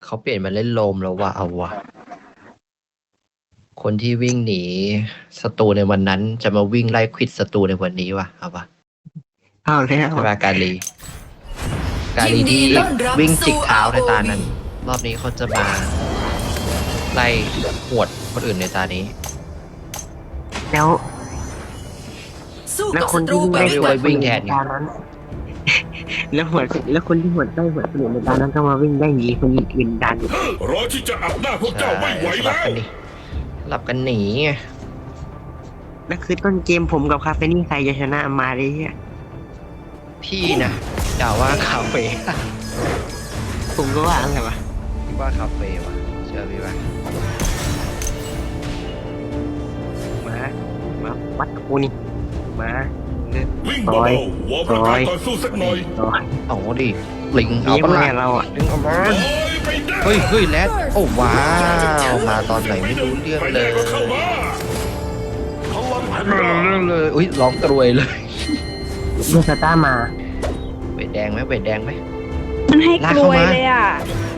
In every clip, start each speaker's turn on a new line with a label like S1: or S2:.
S1: เขาเปลี่ยนมาเล่นโลมแล้วว่ะเอาว่ะคนที่วิ่งหนีศัตรูในวันนั้นจะมาวิ่งไล่ควิดศัตรูในวันนี้ว่ะเอาว่ะ
S2: เอาแล้ว
S1: ใช่ป่ะกาลีที่วิ่งจิกเท้าในตานั้น รอบนี้เขาจะมาไล่หวดคนอื่นในตานี้
S2: แล้ว
S3: สู้
S2: แล้ว
S3: กับ
S2: คน
S3: ศัตรู
S2: ที่
S3: ไป
S2: ได้
S3: ด้
S2: ห
S3: ว
S2: วย ด
S1: วิ่งแทนไง
S2: ตานั้น แล้วหัวแล้วคนที่หวดได้หวดคนอื่นในตานั้นก็มาวิ่งได้หนีคนอื่นดัน
S4: รอที่จะอับหน้าพวกเจ้าไม่ไหว
S1: สลั
S4: แล้
S1: บ
S4: ว
S1: กันดิสลับกันหนีไง
S2: แล้วคือต้นเกมผมกับคาเฟนี่ใครจะชนะมาเลยเฮีย
S1: พี่นะด่าว่าคาเฟ่
S2: ผมก็ว่าอะไรวะ
S1: พี่ว่าคาเฟ่ว่ะเชื่อพี่ว่า
S2: มาวัดกูนี่มา
S4: วิ่งเบาๆวอร์มร่างกายก่อนสู้สักหน่อย
S2: ต่อย
S1: เอาดิลิงเอา
S2: นี่
S1: ปะ
S2: พวก
S1: ล่ะ
S2: เนี่ยเราอ่ะ
S1: ลิงเอามา
S4: โอ้ยไม่ได้
S1: เฮ้ยแรดโอ้ว้าวมาตอนไหนไม่รู้เรื่อง
S4: ไม่
S1: เล
S4: ได้
S1: ย
S4: ก็เข้ามาพลังแห่งรา
S1: เรื่องเลยอุ้ยร้องกรวยเลย
S2: ลูกสตาร์มา
S1: เวทแดงไหมเวทแดงไหม
S5: มันให้
S1: ลาก
S5: กล
S1: เข้า
S5: วย
S1: มา
S5: เลยอ่ะ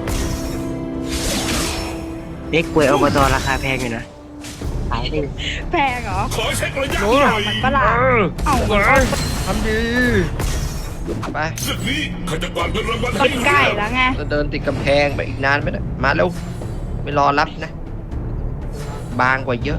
S2: เด็กกล้วยอบตราคาแพงอยู่นะขายได้
S5: แพงเหรอ
S4: ขอเช็คระยะหน่อย
S5: มันประหลาดเอ้ามันก็
S1: ทำดีไป
S4: ศึกนี้ข้าจะกวาดเงินรางวัล
S5: มั
S4: ให้
S5: นใกล้แล้วไง
S1: จะเดินติดกำแพงไปอีกนานไหมนะมาเร็วไม่รอรับนะ บางกว่าเยอะ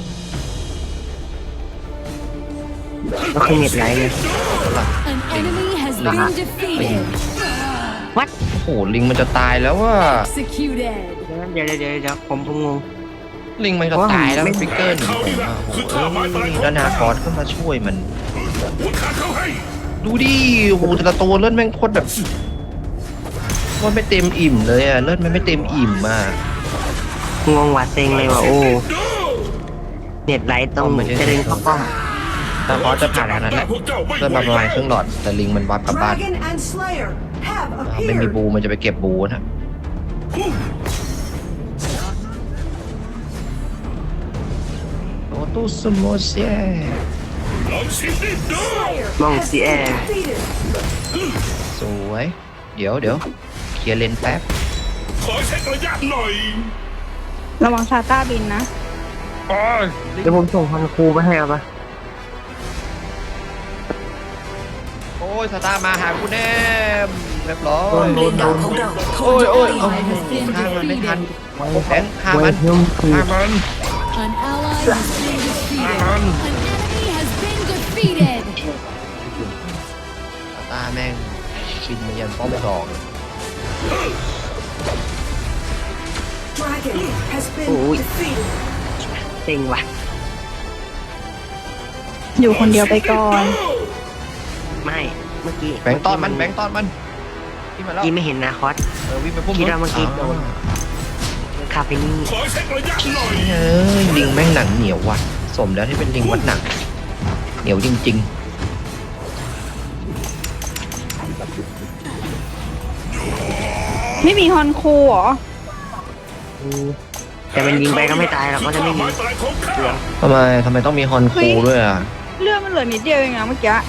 S2: ก็คือเน็ตไหลเลย
S6: An enemy has been defeated.
S2: วัด
S1: โอ้โหลิงมันจะตายแล้วว่า
S6: Executed.
S2: เดี๋ยวผมงง
S1: ลิงมันจะตายแล้วฟิกเกอร์หนี
S4: เขา
S1: ผม
S4: นี่แหละ
S1: อ่ะโอ้
S4: คือ
S1: โห
S4: ท่าไม้ตายของ
S1: แล้วนาคอสก็มาช่วยมัน
S4: หัวขาเข้าให้
S1: ดูดิโอ้โหแต่ละตัวเลือดแม่งโคตรแบบโคตรไม่เต็มอิ่มเลยอ่ะเลือดมันไม่เต็มอิ่มอ่ะ
S2: งงหวาดเซ็งเลยว่ะโอ้
S4: ดู
S2: เน็ตไหลตรงจะเดินเข้าป้อม
S1: นาคอสจะผ่านขนาดนั้นแหละ
S4: พวกเจ้าไม่
S1: เลือด
S4: ไหว
S1: มาประมาณครึ่งหลอดแต่ลิงมันวับกลับบ้าน
S3: Dragon and Slayer have
S1: ไม่มี
S3: appeared.
S1: บูมันจะไปเก็บบูนะโอตุสโมเซ
S4: ลองชิมดิดู
S2: มองซีแอร์
S3: Defeated.
S1: สวยเดี๋ยวเคลียร์เลนแป๊บ
S4: ขอเช็คระยะหน่อย
S5: ระวังซาต้าบินนะ
S2: เดี๋ยวผมส่งพันครูไปให้เอาปะ
S1: โอ้ยสตาร์มาหากูแน่เรียบร้อย
S3: เลนดาวของเราถูก
S1: โอ้ย
S3: โจ
S1: โอ้ย
S3: มตี
S1: โอ้ยฆ่ามันไม่ทันแบงค์ฆ่า
S2: ไว้
S1: มัน
S2: เพิ่มคือ
S1: ฆ่ามัน
S6: An ally has been defeated. An enemy has been defeated.
S1: สตาร์แม่งบินมายันป้อมสอง
S3: Dragon has been
S2: Ôi.
S3: defeated.
S2: เซ็งว่ะ
S5: อยู่คนเดียวไปก่อน
S2: ไม่เมื่อกี้
S1: แบงค์ต้อนมันที่มา
S2: เมื่
S1: แล้ว
S2: อกี้ไม่เห็นนาคอส
S1: วิ่งไปพุ่ม
S2: คิดว่าเมื่อกี้โดน คาเฟนี่
S4: ขอเช็คระยะหน่อย
S1: เอ้ยลิงแม่งหนังเหนียวว่ะสมแล้วที่เป็นลิงวัดหนักเหนียวจริง
S5: ไม่มีฮอนคูเหรอ
S2: แต่มันยิงไปก็ไม่ตายหรอกก็จะไม่มี
S4: คือท่าไม้ตายของข้า
S1: ๆทำไมต้องมีฮอนคูด้วยอ่ะ
S5: เลือดมันเหลือนิดเดียวเองนะเมื่อกี้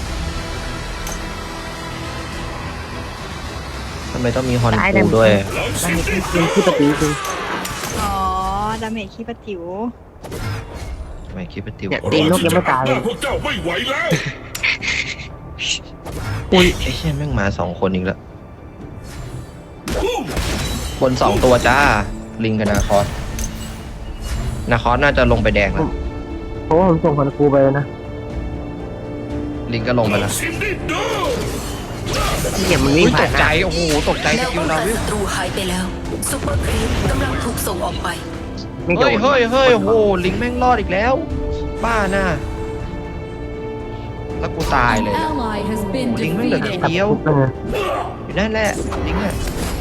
S1: ทำไมต้องมีฮอน
S2: ตาย
S1: คู
S2: แต่
S1: ด้วย
S4: ลอง
S2: มั
S4: ชิ
S2: น
S4: ม
S2: มี
S4: ดิ
S2: ที่เป็นที่ปฏิจริง
S5: อ๋อ ดาเมจขี้ปะจิ๋ว
S1: ทำไมคิดว่าติว
S2: เนี่ย ตีนนกยังไม่ตายเลย
S4: พวกเจ้าไม่ไหวแล้ว
S1: อุ้ยไอ้เชี่ยแม่งมาสองคนอีกแล้วบนสองตัวจ้าลิงกับนาคอสน่าจะลงไปแดงแล้ว
S2: เพราะว่าผมส่งพันครูไปแล้วนะ
S1: ลิงก็ลงไปแล้ว
S4: ชิมดิดู
S2: เนี่ยมัน
S1: อุ้
S2: วิ่ง
S1: ยต
S2: ผ่าน
S1: ก
S2: ห
S1: ใจ
S2: น้า
S1: โอ้โหตกใจ
S3: แน
S1: ส
S3: ว
S1: กิ
S3: ป้
S1: ล
S3: อง
S1: เรา
S3: กัน
S1: วิว
S3: ศัตรูหายไปแล้วซุปเปอร์ครีปกำลังถูกส่งออกไป
S2: ไม่โด
S1: เฮ้ย
S2: น
S1: โอ้โหลิงแม่งรอดอีกแล้ว บ้าน่ะแล้วกูตาย
S6: An
S1: เลย
S6: ally has been
S1: ลิงแม่งเหลือที
S6: defeated.
S1: เดียว
S2: เออ
S1: อยู่นั่นแหละลิงอ่ะ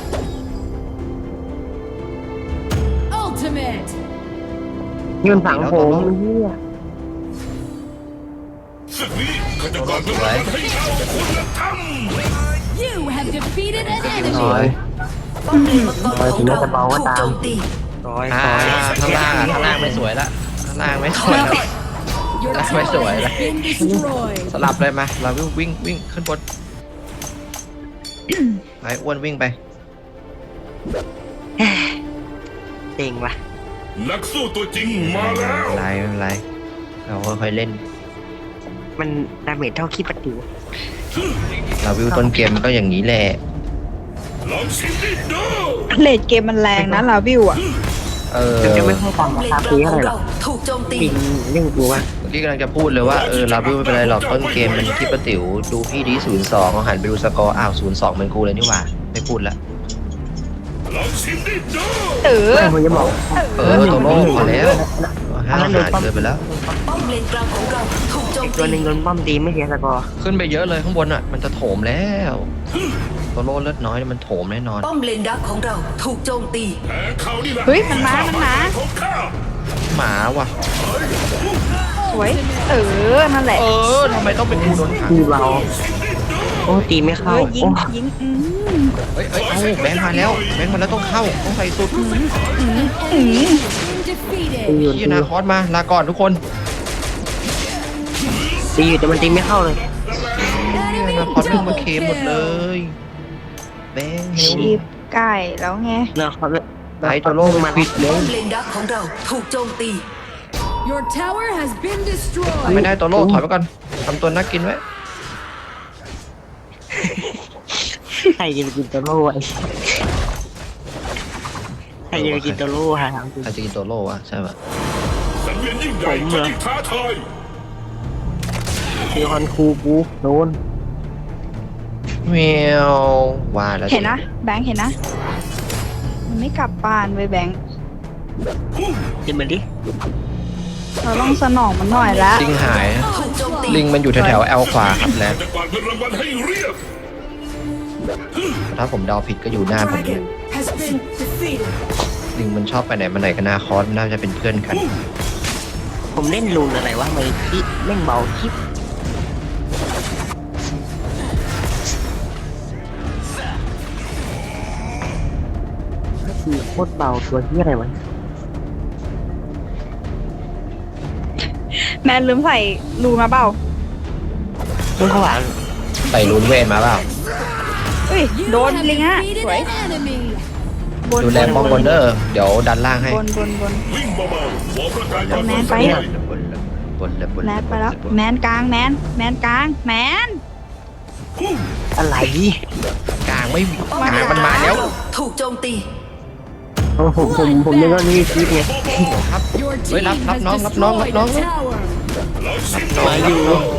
S6: Ultimate.
S2: ยืนฝังผมเฮีย
S4: ศึกนี้ข้าจะกวาดเงินรางวัลให้เจ้าคุณธรรม
S6: You have defeated an
S1: น้อย
S6: enemy.
S3: ป้อมเลนมังกรของเราถูกโจมตี
S2: ซอย
S1: อ่า
S2: ซอย
S1: ข้างล่างไม่สวยละข้างล่างไม่สวยละ
S6: Your
S1: That's
S6: tower
S1: my story.
S6: has been destroyed.
S1: สลับเลยมาเราวิ่งขึ้นบนไปอ้วนวิ่งไป
S2: แฮะเต็งว่ะ
S4: นักสู้ตัวจริงมาแล้ว
S1: ไม่เป็นไรเราค่อยๆเล่น
S2: มันดาเมจเท่าขี้ปะติว
S1: เราวิวต้นเกมมันก็อย่างนี้แหละ
S4: ลองชิมดิดู
S5: เลดเกมมันแรงนะลาวิวอ่ะ
S2: ถึงจะไม่ค่อยตาม
S3: ป้อม
S2: รา
S3: เล
S2: คาน
S3: กลาง
S2: ซื้อ
S3: ข
S2: อะ
S3: อ
S2: ไรง หร
S3: เรา
S2: อก
S3: ถูกโจมตี
S2: จริงเรื่องกูว่า
S1: เมื่อกี้กำลังจะพูดเลยว่าลาวิวไม่เป็นไรหรอกต้นเกมมันที่ประติ๋วดูพี่ดี02เอาหันไปดูสกอร์อ้าว02เหมือนกูเลยนี่หว่าไม่พูดละ
S4: ลองชิมดิดู
S5: เออ
S2: ไม่ผมจะบอก
S1: โตโร่พอแล้วห้าวหาญเกินไปแล้ว
S3: ป้อมเลนกลางของเราถูกโจม
S2: อีกตัวหนึ่
S3: ตี
S2: งโดนป้อมตีไม่เสียสกอร์
S1: ขึ้นไปเยอะเลยข้างบนอ่ะมันจะโถมแล้วโตโร่เลือดน้อยมันโถมแน่นอน
S3: ป้อมเลนดักของเราถูกโจมตี
S4: แพ้เขานี่แหละ
S5: เฮ้ยมันมา
S4: ของข้า
S1: หมาว่ะ
S5: สวย เออ นั่นแหละ
S1: ทำไมต้องเป็นกูโดนขัง
S2: คือเราโอ้ตีไม่
S5: เอ
S2: เข้า
S5: อ ยิง
S2: โอ้
S5: ยิง
S1: เอ้ยแบงค์มาแล้วแบงค์มาแล้วต้องเข้าต้องใส่สุด
S6: Been
S2: ตี
S6: defeated.
S2: อยู่
S1: ที่นาคอสมาลาก่อนทุกคน
S2: ตีอยู่แต่มันตีไม่เข้าเลย
S1: นาคอสเพิ่งมาเคมหมดเลยแบงค์เฮล
S5: ชีพไก่แล้วไง
S2: เนาะเขา
S1: ไอโตโร่มาปิดเล
S3: ป้อย มเลนดักของเราถูกโจมตี
S6: Your tower has been
S1: ไม่
S6: destroyed.
S1: ได้โตโร่ถอยไปก่อนทำตัวน่ากินไว้
S2: ใครจะไปกินตัวโล่ไอ้ใครจะไปกินตัวโล่ฮะ
S1: ใครจะกินโตโร่วะใช่ปะ
S4: สังเวียนยิ่งใหญ่
S2: ผมเหรอ
S4: จะยิ่งท้าทาย
S2: คือคอนคูกูโดน
S1: แมวว่าแล้ว
S5: เห็นนะ แบงค์เห็นนะ มันไม่กลับบ้านเว้ยแบงค์
S2: กินมันดิ
S5: เราต้องสนองมันหน่อยละ
S1: ลิงหายนะ
S3: ถูกโจมตี
S1: ลิงมันอยู่แถวๆแอลขวาครับแล้ว
S4: จะกวาดเงินรางวัลให้เรียบ
S1: ถ้าผมเดาผิดก็อยู่หน้าผมเนี่ย
S3: has been defeated
S1: ลิงมันชอบไปไหนมาไหนกับนาคอสน่าจะเป็นเพื่อนกัน
S2: ผมเล่นลูนอะไรวะไม่คิดเล่นเบาคลิปก็คือโคตรเบาตัวที่อะไรวะ
S5: แมนลืมใส่รูมาเปล่า
S2: เรื่องข้างหลัง
S1: ใส่รูนเวนมาเปล่า
S5: เฮ้ย
S6: You
S5: โดน
S6: have
S5: ลิงฮะ
S6: defeated
S5: สวย
S6: an enemy.
S5: บน
S1: ดูแลป้องบนเดอร์เดี๋ยวดันล่างให้
S5: บนบน
S4: วิ่งเบาๆหัวประกายความ
S5: แมน
S4: รู้
S5: ไป
S4: สึก
S5: อะ
S1: บนเลยบน
S5: แม
S1: เลย
S5: นไปแล้ว แมนกลางแมน แมนกลาง แมน
S2: อะไร
S1: กลางไม่
S3: ป้อม
S1: ก
S3: เล
S1: ลาง
S3: น
S1: มันมาแล้ว
S3: ถูกโจมตี
S2: โอ้ผมนึกว่านี่คลิปไง
S1: ครับ
S6: Your
S1: เฮ้ย
S6: team
S1: รับ
S6: has
S1: น้องรับน้องรับ
S6: destroyed
S1: น้อง
S6: a tower.
S2: มาอยู่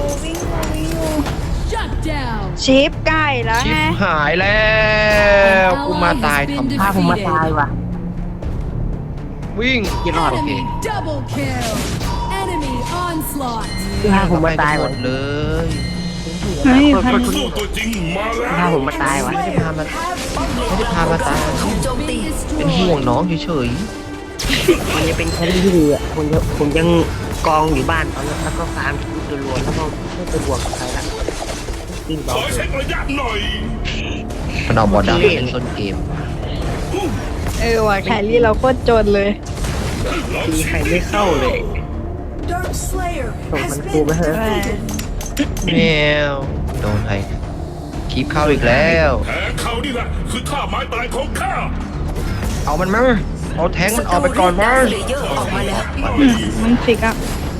S6: Shut down.
S5: ชีพไก่แล้ว
S1: ชิ
S5: ไง
S1: บหายแล้วกูมาตายทำ
S2: พาผมมาตายว่ะ
S1: วิ่ง
S2: กี่รอด
S6: Enemy double kill. Enemy onslaught.
S2: พาผมมาตาย
S1: หม
S2: ว่ะ
S1: ดเลย
S5: เฮ้ย
S2: คน
S5: พัน
S4: สู้ตัวจริงมาแล้
S2: พาว ผมมาตายว่ะ
S1: ไม่ได้พามาไม่ได้พามาตาย
S3: ถูกโจมตี
S1: เป็นห่วงน้องเฉย
S2: มันจะเป็นแครี่ที่ดีอ่ะผมยังกองอยู่บ้านตอนนั้นแล้วก็ฟาร์มทุกตัวรวมแล้วก็ไม่ไปบวกกับใครละกิน
S4: ข
S2: ต่อ
S4: อเช็คระยะหน่อย
S1: ๆมันเอาบอลดำเล่นต้นเกม
S5: เออว่ะแครี่เราโคตรจนเลย
S2: ตีใครไม่เข้าเลย
S3: Dark Slayer
S2: ส่งมันกูไปเถอะ
S1: แมวโดนใครคลิปเข้าอีกแล้ว
S4: แพ้เขานี่แหละคือท่าไม้ตายของข้า
S1: เอามันมาเอาแทงมันออกไปก่อนมา
S3: เลเยอร์ออกมาแล้ว
S5: มันฟิกอ่ะ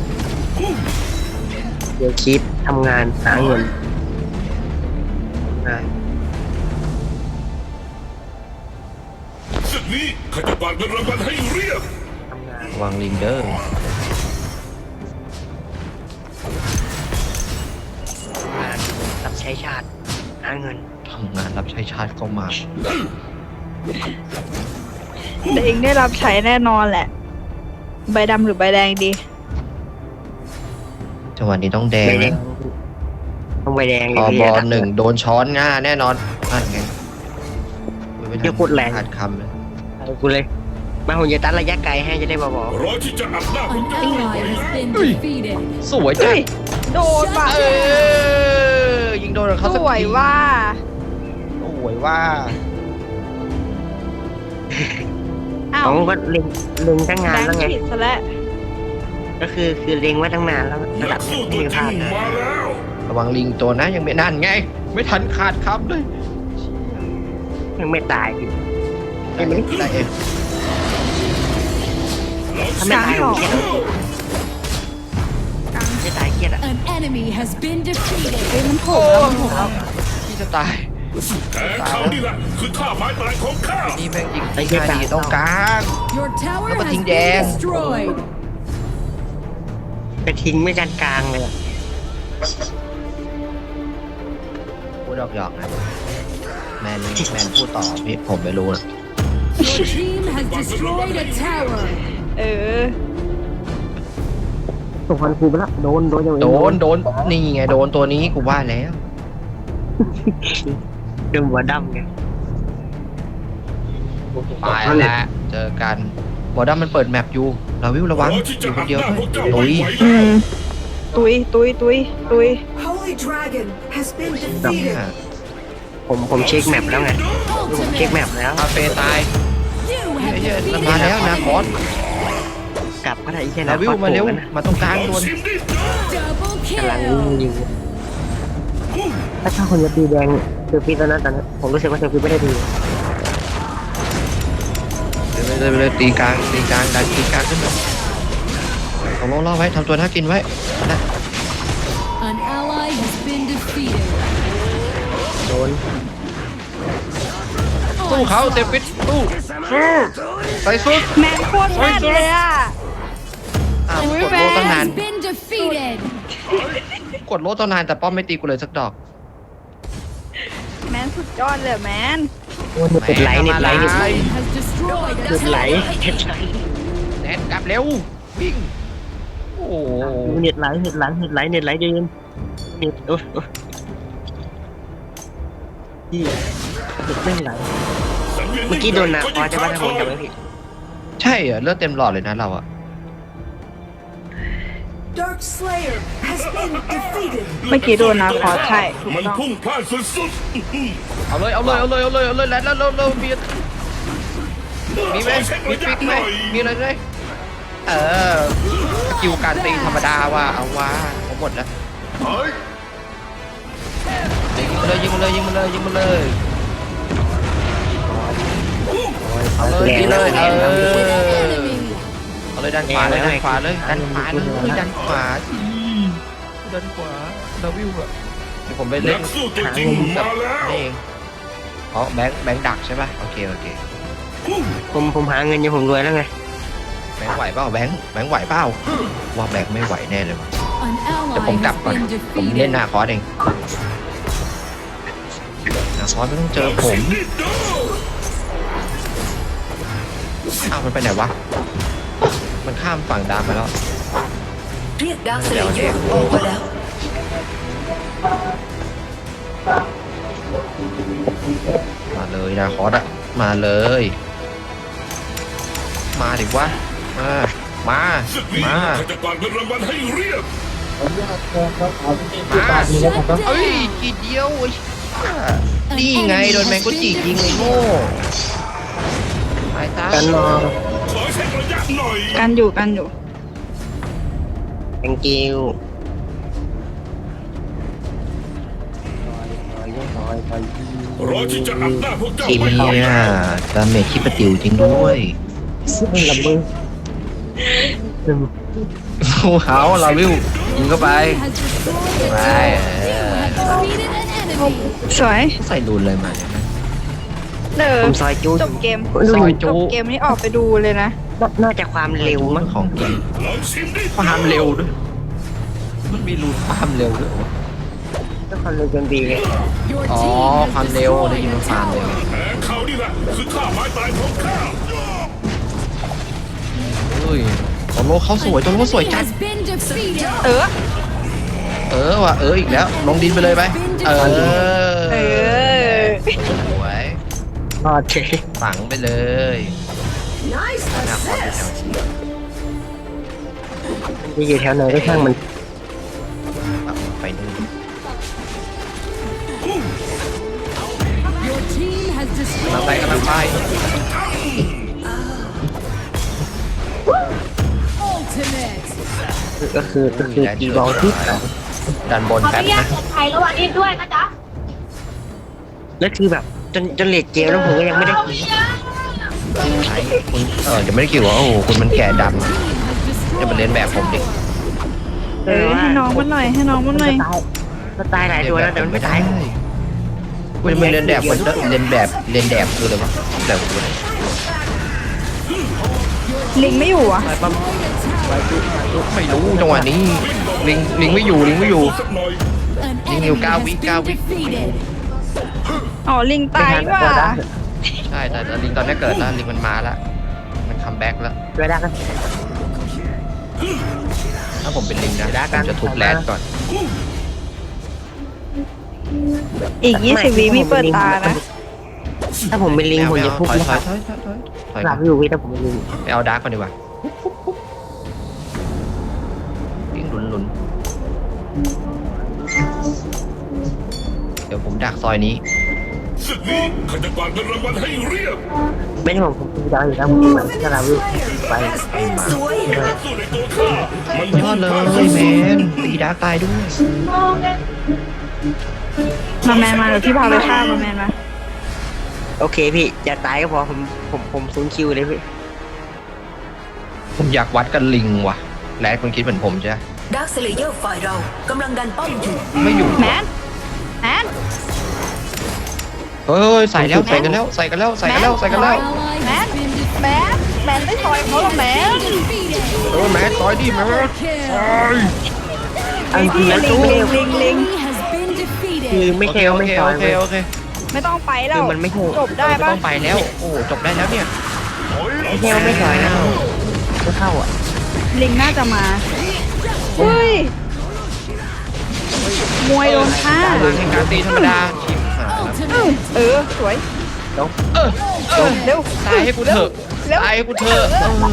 S2: เดี๋ยวคิดทำงานหาเงินได้
S4: ศึกนี้ข้าจะกวาดเงินรางวัลให้เรียบ
S2: ทำงาน
S1: วางลิงเดอร์
S2: งานรับใช้ชาติหาเงิน
S1: ทำงานรับใช้ชาติเข้ามา
S5: แต่เองได้รับใช้แน่นอนแหละ ใบดำหรือใบแดงดี
S1: จังหวะนี้ต้องแดง
S2: ใบแด
S1: นะ
S2: งต้องใบแดง
S1: พอ
S2: เลย
S1: บอลหนึ่งโดนช้อนง่าแน่นอนนั่นไง
S2: เดี๋ยวพูดแรง
S1: ขาดคำเลย
S2: เอากูเลย มาผมจะตัดระยะไกลให้จะได้บอก
S4: รอที่จะอัดหน้าผม
S6: An
S4: จะ
S6: ally has been defeated.
S1: สวยจัง
S5: โดนป่ะ
S1: ยิงโดนเขา
S5: ส
S1: สัก
S5: วย
S1: ที
S5: ว่า
S1: สวยว่า
S5: อ้า
S2: ข
S5: ว
S2: องก็เล็งตั้งงา
S5: แบ
S2: น
S5: ง
S2: แล้ว
S5: ค์
S2: ไง
S5: ผิดซะแล้ว
S2: ก็คือเล็งไว้ตั้งนานแล้วระ
S4: นั
S2: ดั
S4: ก
S2: บ
S4: สู้
S2: ไม่
S4: ตัว
S2: มี
S4: จ
S2: พ
S4: ริ
S2: ลาง ดนะ
S4: มาแล้ว
S1: ระวังลิงตัวนะยังไม่นั่นไง ไม่ทันขาดคำเลย
S2: ยังไม่ตายอีก
S1: ได้เองได้เอง
S2: ถ้าไม่ตายผมเครียดไม่ตายเครียดอ่ะ
S6: An enemy has been defeated.
S5: เฮ้ยมันโผล่แล้วมันโผล่แล้ว
S1: พี่จะตาย
S4: แผนเขานี่แหละคือท่าไม้ตายของข้า
S1: นี่แม่งยิงตีมาดีตรงกลาง
S6: Your tower
S1: Apa
S6: has been
S1: tinggal?
S6: destroyed.
S2: ไปทิ้งไม่กันกลางเลยอะ
S1: พูดหยอกๆนะแมนพูดต่อพี่ผมไม่รู้นะ
S6: Your team has destroyed a tower.
S5: เออ
S2: ส่งพันคูไปละโดนอย่าง
S1: โดนนี่ไงโดนตัวนี้กูว่าแล้ว
S2: โดนหัวดำไง
S1: ตายแล้วเจอกันบอดัมมันเปิดแมปอยู่เราวิวระวังอยู่คนเดียวด้วยตุย
S5: อืมตุย
S3: Holy Dragon has been
S1: ดับ
S3: defeated.
S2: ผมเช็คแมปแล้วไงผมเช็คแมปแล้ว
S1: คาเฟ่ตาย
S6: You
S1: เฮ้ย
S6: have
S1: ๆ
S6: defeated
S1: มาแล้วนะคอส
S2: กลับก็ได้อีกแค่
S1: เราวิวมาเร็วมาตรงกลาง
S4: ลอง
S1: ด่วน
S4: ชิมดิ
S6: double
S2: กำลัง
S6: kill.
S2: ยิงถ้าคนจะตีแดงเซอร์ฟิตแล้วนะตอนนี้ผมรู้สึกว่าเซอร์ฟิตไม่ได้ดี
S1: เลยตีกลางดันตีกลางขึ้นมาเอาโล่อไว้ทำตัวน่ากินไว้นะ
S6: An ally has been defeated.
S2: โดน
S1: สู้เขาเซฟิตสู้ใส่สุด
S5: แมนโคตรแม่นเลยอ่ะ
S1: อ้าว
S5: อุ๊ย
S1: กดโล่ตั้งนาน
S6: Has been defeated.
S1: กดโล่ตั้งนานแต่ป้อมไม่ตีกูเลยสักดอก
S5: แมนสุดยอดเลยแมน
S2: เน็ตไหล
S6: Has destroyed a
S2: เน็ตไหล
S6: tower.
S2: เน็ตไหล
S1: แนนกลับเร็ววิ่งโอ้โห
S2: เน็ตไหลเดินเน็ตที่เน็ตไม่ไหล
S4: สังเวีย
S2: เมื่อกี้โดนนะพอจะว่าถ้าผมจำไม่ผิด
S1: ใช่เหรอเลือดเต็มหลอดเลยนะเราอะ
S3: Dark Slayer has been defeated.
S5: เมื่อกี้โดนนะคอใช่ถูก
S4: มัน
S5: ต้อง
S4: พุ่งพลาดสุด
S1: เอาเลยแล้วมีไหมมีฟิกไหมมีอะไรไหมสกิลการตีธรรมดาว่าเอาว่าเอาหมดแล้ว
S4: ๆเฮ้ย
S1: ยิงมาเลยเอาเลยยิงเลยเอาเลยดันขวาเลยดันขวาเลยดันขวาเราวิวอะเดี๋ยวผมไป
S4: นั
S1: เล่น
S4: กสู้ตัวจริงมาแล้ว
S1: นี่เองอ๋อแบงค์ดักใช่ป่ะโอเค
S2: ผมหาเงินอยู่ผมรวยแล้วไง
S1: แบงค์ไหวเปล่าแบงค์ไหวเปล่าว่าแบงค์ไม่ไหวแน่เลยว่ะ
S6: An
S1: เดี๋ยวผม
S6: ally
S1: กลับ
S6: has
S1: ก่อน
S6: been
S1: ผมเล่น
S6: defeated.
S1: นาคอสเองนาคอสไม่ต้องเจอผม
S4: นี่ดู
S1: อ้าวมันไปไหนวะมันข้ามฝั่งดามไปแล้ว
S3: เรียกดาร์คสเลเยอร์ออกมาแล้ว
S1: มาเลยนาคอสอะมาเลย มาดิวะมา
S4: ศึกนี้ข้าจะกวาดเงินรางวัลให้เรียบ
S1: เอ้ยกีเดียวไอ้นี่ไงโดนแมงกุจิยิงไอ้โง่ตายตา
S2: กันรอ
S4: ขอเช็คระยะหน่อย
S5: กันอยู่
S2: thank you
S4: รอที่จะอัดหน้าพวกเจ้า
S1: ทีม
S4: ไว้
S1: เนี่ยดาเมจขี้ประติวจริงด้วย
S2: ลำบึง
S1: สู้เขาเราวิวยิงเข้าไป
S6: Has destroyed a
S1: Right.
S6: tower. You have defeated an enemy.
S5: สวย
S1: ใส่รูนเลยมาเนี่ยนะ
S2: ผมซอยจู
S5: จบเกม
S1: ซอยจู
S5: จบเกมนี้ออกไปดูเลยนะ
S2: น่าจะความเร็วมั้ง
S1: ของจริง
S4: ลองชิมดิ
S1: ความเร็วด้วยมันมีรูนความเร็วด้วยวะ
S2: ก็ความเร็วจนดีเลย
S6: Your
S1: อ๋อ
S6: team
S1: ความ
S6: has
S1: เร็วได้ยิน
S6: destroyed
S1: ว่า
S6: a
S1: ความเร็ว
S6: tower.
S4: แผนเขานี่แหละคือท่าไม้ตายของข้า
S1: เฮ้ยตัวโลเขาสวยตัวโลสวยจัด
S6: Has been defeated.
S5: ว่ะ
S1: อีกแล้วลงดินไปเลยไป
S5: เออ
S1: สวย
S2: รอดเฉย
S1: ฝังไปเลย
S3: Nice
S1: หน้าคอสอยู่แถว
S3: assist.
S1: นี้
S2: จะอยู่แถวไหนก็ช่างมัน
S1: ไปนู่น
S6: Your team has
S1: กำลัง
S6: destroyed
S1: ไปกำลังไป
S6: ultimate.
S2: ก็คือตีบอลที่
S1: ดันบน
S7: ขออ
S1: แป๊บ
S7: นุญาต
S1: นะ
S7: กดไทยระหว่างนี้ด้วยนะจ๊ะ
S2: แล้วคือแบบจนเลดเกมแล้วผมก็ยังไม่ได้กิน
S1: ไอ้คุณจะไม่ได้คิดว่าโอ้โหคุณมันแก่ดำจะมาเรียนแบบผมดิ
S5: ให้น้องมันหน่อยให้น้องมันหน่อย
S2: ก็ตายหลายตัวแล้วแต่มันไม่ตาย
S1: คุณมันเรียนแบบมันเรียนแบบคืออะไรวะแบบกูเลย
S5: ลิงไม่อยู่อ่ะ
S1: ไม่รู้จังหวะนี้ลิงไม่อยู่
S4: สักหน่อย
S6: An
S1: Linh
S6: enemy
S1: yêu cao
S6: has
S1: vĩ,
S6: been
S1: cao vĩ.
S6: defeated.
S5: อ๋อลิงตายว่ะ
S1: ใช่แต่ลิงตอนนี้เกิดแล้วลิงมันมาแล้วมันคัมแบ็กแล้ว
S2: ช่วยได้กัน
S1: ถ้าผมเป็นลิงนะผมจะทุบแรดก่อน
S5: อีก20 วิมีเปิดตานะ
S2: ถ้าผมเป็นลิงผมจะทุบ
S1: ถอย
S2: นะครับหลับอยู่พี่ถ้าผมเป็นลิง
S1: ไปเอาดาร์กก่อนดีกว่าลิงหลุนเดี๋ยวผมดักซอยนี้
S4: ศึกนี้ข้าจะกวาดเงินรางวัลให้เรียบ
S2: ไม่ใช่ผมดูดาวอยู่แล้วผมดูมันถ้าเราไป
S3: สวย
S4: สู้ในตัวข้ามัน
S1: ยอดเลยแมนตีดาร์กตายด้วย
S5: มาแมนมาเดี๋ยวพี่พาไปฆ่ามาแมนมา
S2: โอเคพี่อย่าตายก็พอผมซูนคิวเลยพี่
S1: ผมอยากวัดกันลิงว่ะแรดคุณคิดเหมือนผมใช่ไหม
S3: ดาร์คเซเลเยอร์ฝ่ายเรากำลังดันป้อมอยู่
S1: ไม่อยู่
S5: แมนแมน
S1: เฮ้ยใส่กันแล้ว
S6: Our ally has been
S5: แมนแมนไม่ซอยเขาหรอกแมน
S6: defeated.
S1: แมนซอยดิแมน
S6: Kill.
S2: เอาจริงๆแล้ว
S5: ลิงลิงลิงลิง
S6: Enemy has been
S2: คือ
S6: defeated.
S2: ไม่ใช่ว่าไม่ซอย
S1: โอเค
S5: ไม่ต้องไปแล้
S2: คื
S5: ว
S2: อมันไม่ใช่
S5: จบได้
S1: ไม่
S5: ปะ
S1: ต้องไปแล้วโอ้จบได้แล้วเนี่ย
S2: ไม่ใช่ว่าไม่ซอยนะไม่เข้าอ่ะ
S5: ลิงน่าจะมาเฮ้ยมวยโดนฆ่า
S1: พลังแห่งการตีธรรมดาชิบหายแล้ว
S6: Ultimate.
S5: สวย
S1: เร็วตายให้กูเถอะ
S5: เร็ว
S1: ตายให้กูเถอะ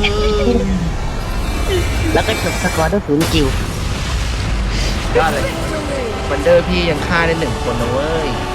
S2: แล้วก็จบสกอร์ด้วยศูนย์คิวย
S1: อดเลยวันเดอร์พี่ยังฆ่าได้1 คนนะเว้ย